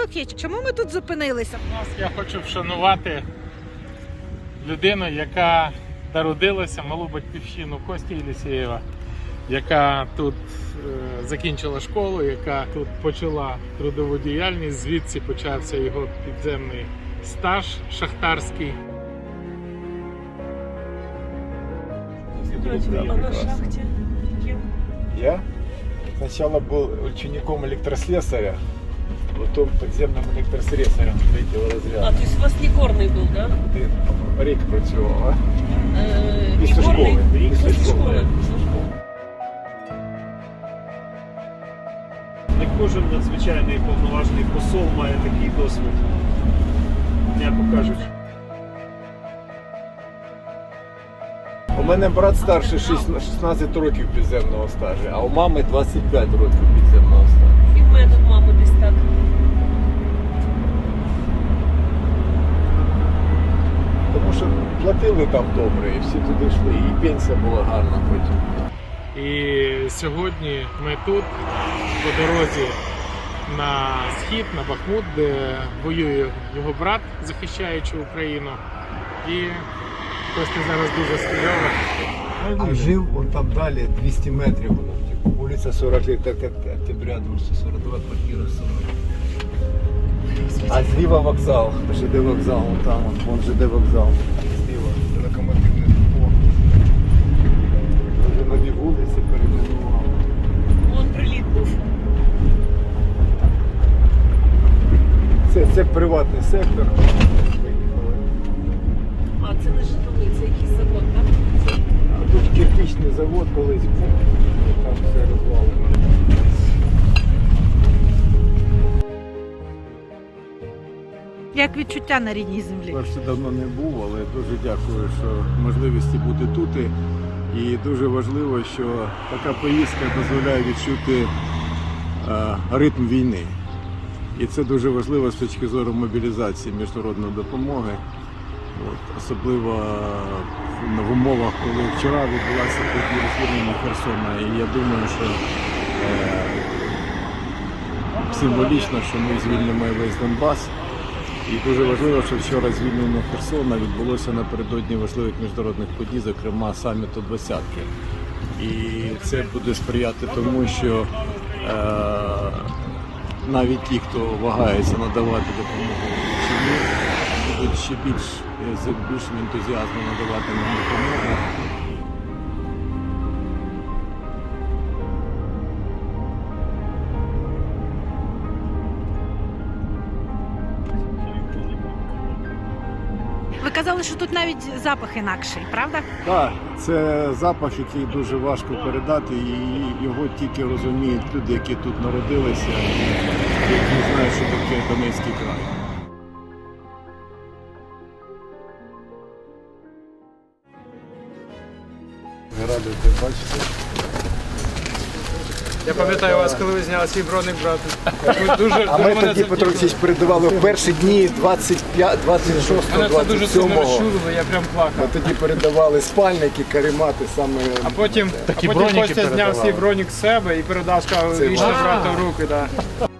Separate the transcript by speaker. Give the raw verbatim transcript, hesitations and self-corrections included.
Speaker 1: зв'язок є. Чому ми тут зупинилися?
Speaker 2: Я хочу вшанувати людину, яка народилася, малу батьківщину Кості Єлісєєва, яка тут е, закінчила школу, яка тут почала трудову діяльність, звідси почався його підземний стаж шахтарський.
Speaker 3: А на шахте кем?
Speaker 4: Я сначала был учеником электрослесаря, потом подземным электрослесарем третьего
Speaker 3: А,
Speaker 4: разряда.
Speaker 3: то есть у вас не горный был, да?
Speaker 4: Ти рік працював, а?
Speaker 3: Э,
Speaker 4: Після
Speaker 3: не горный?
Speaker 4: школи.
Speaker 3: Після
Speaker 4: Після
Speaker 3: школи.
Speaker 4: школи.
Speaker 3: Після школи.
Speaker 5: Не кожен надзвичайний повноважний посол має такий досвід, м'яко кажучи.
Speaker 4: У мене брат старший шістнадцять років підземного стажу, а у мами двадцять п'ять років підземного стажу.
Speaker 3: І в мене тут мама десь так.
Speaker 4: Тому що платили там добре і всі туди йшли, і пенсія була гарна потім.
Speaker 2: І сьогодні ми тут, по дорозі на схід, на Бахмут, де воює його брат, захищаючи Україну. І Костя зараз дуже скульовий.
Speaker 4: А жив он там далі двісті метрів, вулиця сорок лет октября, двісті сорок два, квартира сорок. А зліва вокзал, ЖД вокзал, вон там, вон, вон ЖД вокзал. Зліва, локомотивний депо. Вже нові вулиці перейменували.
Speaker 3: Вон приліт був.
Speaker 4: Це, це приватний сектор.
Speaker 3: А, це не житловий, це якийсь завод, так?
Speaker 4: А тут кирпичний завод колись був, там все розвалено.
Speaker 1: Як відчуття на рідній землі?
Speaker 6: Перше давно не був, але дуже дякую, що можливості бути тут. І дуже важливо, що така поїздка дозволяє відчути е, ритм війни. І це дуже важливо з точки зору мобілізації міжнародної допомоги. От, особливо в умовах, коли вчора відбулася подія звільнення Херсона. І я думаю, що е, символічно, що ми звільнимо весь Донбас. І дуже важливо, що вчора звільнення Херсона відбулося напередодні важливих міжнародних подій, зокрема саміту двадцятки. І це буде сприяти тому, що е, навіть ті, хто вагається надавати допомогу Україні, будуть ще більш, з більшим ентузіазмом надавати нам допомогу.
Speaker 1: Ви казали, що тут навіть запах інакший, правда?
Speaker 6: Так, це запах, який дуже важко передати, і його тільки розуміють люди, які тут народилися, які знають, що таке Донецький край.
Speaker 4: Радий тебе бачити.
Speaker 7: Я пам'ятаю вас, коли ви зняли свій броник, брат. Ви дуже,
Speaker 4: А
Speaker 7: дуже
Speaker 4: ми
Speaker 7: мене
Speaker 4: тоді,
Speaker 7: це
Speaker 4: Петро Олексійович, передавали в перші дні двадцять п'ятого, двадцять шостого,
Speaker 7: Мене це дуже
Speaker 4: двадцять
Speaker 7: сильно
Speaker 4: сьомого.
Speaker 7: розчулило, я прям
Speaker 4: Ми
Speaker 7: плакав.
Speaker 4: тоді передавали спальники, каремати саме.
Speaker 7: А потім, а
Speaker 2: Такі
Speaker 7: потім
Speaker 2: броніки
Speaker 7: Костя зняв
Speaker 2: передавали.
Speaker 7: свій бронік з себе і передав, сказав,
Speaker 4: Це
Speaker 7: вічно
Speaker 4: важко.
Speaker 7: брата в руки. Да.